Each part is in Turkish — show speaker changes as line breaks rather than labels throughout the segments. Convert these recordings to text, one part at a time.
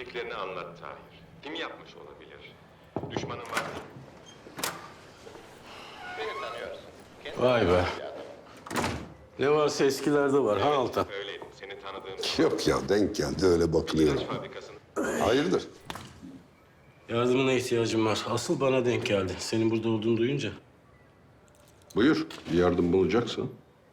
bildiklerini anlat Tahir. Kim yapmış olabilir? Düşmanın var mı? Beni tanıyorsun.
Vay be. Ne varsa eskilerde var ha Altan?
Öyleydim. Seni tanıdığım
Yok ya, denk geldi öyle bakılıyor.
ilaç fabrikasının...
Hayırdır?
Yardımına ihtiyacım var. Asıl bana denk geldi. Senin burada olduğunu duyunca.
Buyur, bir yardım bulacaksın.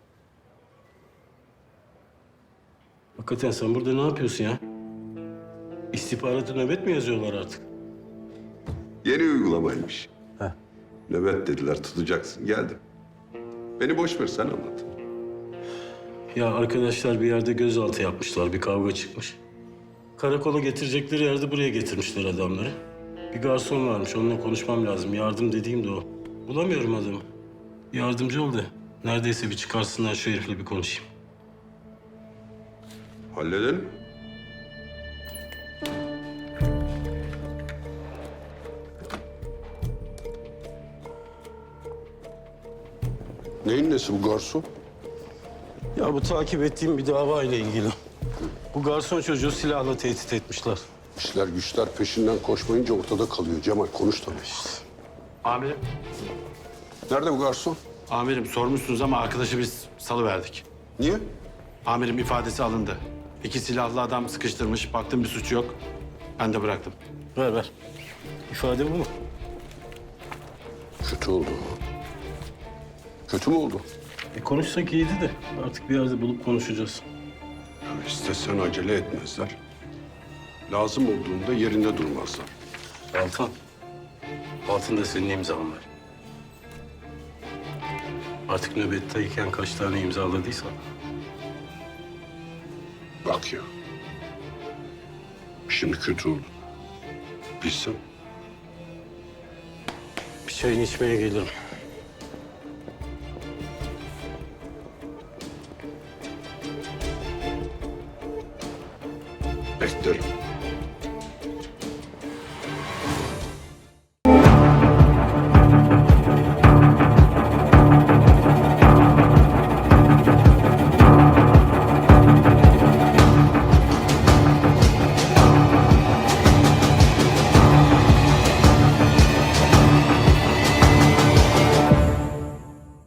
Hakikaten sen burada ne yapıyorsun ya? İstihbaratı nöbet mi yazıyorlar artık?
Yeni uygulamaymış.
Heh.
Nöbet dediler, tutacaksın. Geldim. Beni boş ver, sen anlat.
Ya arkadaşlar bir yerde gözaltı yapmışlar. Bir kavga çıkmış. Karakola getirecekleri yerde buraya getirmişler adamları. Bir garson varmış. Onunla konuşmam lazım. Yardım dediğim de o. Bulamıyorum adamı. Yardımcı ol de. Neredeyse bir çıkarsınlar şu herifle bir konuşayım.
Halledelim. Neyin nesi bu garson?
Ya bu takip ettiğim bir dava ile ilgili. Bu garson çocuğu silahla tehdit etmişler.
İşler güçler peşinden koşmayınca ortada kalıyor. Cemal konuş tabii.
Amirim,
Nerede bu garson?
amirim sormuşsunuz ama arkadaşı biz salıverdik.
Niye?
Amirim ifadesi alındı. 2 silahlı adam sıkıştırmış, baktım bir suç yok. Ben de bıraktım.
Ver ver. İfade bu mu?
Kötü oldu. Kötü mü oldu?
Konuşsak iyiydi de artık bir yerde bulup konuşacağız.
İstesen acele etmezler. Lazım olduğunda yerinde durmazlar.
Altan. Altında senin imzan var. Artık nöbetteyken kaç tane imzaladıysan.
Bak ya. Şimdi kötü oldu. Bilsem.
Bir çayını içmeye gelirim.